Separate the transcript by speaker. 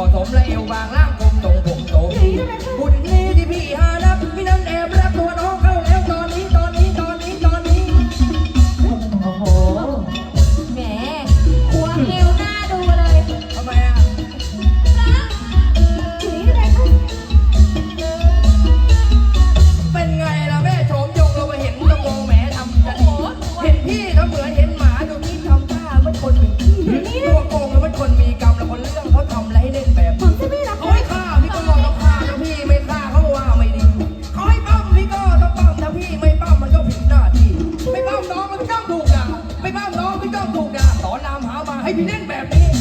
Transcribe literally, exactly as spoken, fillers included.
Speaker 1: สมและเอวบางล่างกลมตรงผมโตหุ่นนี้ที่พี่หานับพี่นั้นแอบรักตัวน้องเข้าแล้วตอนนี้ตอนนี้ตอนนี้ตอนนี้
Speaker 2: โอ้โหแหมควงเอวหน้าดูเลย
Speaker 1: ทำไมอ่ะเป็นไงล่ะแม่โฉมยงเราไปเห็นตะโกแหมทำจะดีเห็นพี่ทำเหมือนเห็นหมาดูนี่ทำท่าเหมือนคนมีตัวโกงแล้วมันคนมีกรรมแล้วคนเรื่องเขาทำอะไรให้เล่นแบบนี้เขาให้ฆ่าพี่ก็ต้องฆ่าถ้าพี่ไม่ฆ่าเขาว่าไม่ดีเขาให้ปั้มพี่ก็ต้องปั้มถ้าพี่ไม่ปั้มมันก็ผิดหน้าที่ไม่ปั้มน้องมันพี่ต้องถูกด่าไม่ปั้มน้องพี่ต้องถูกด่าสอนรามหามาให้พี่เล่นแบบนี้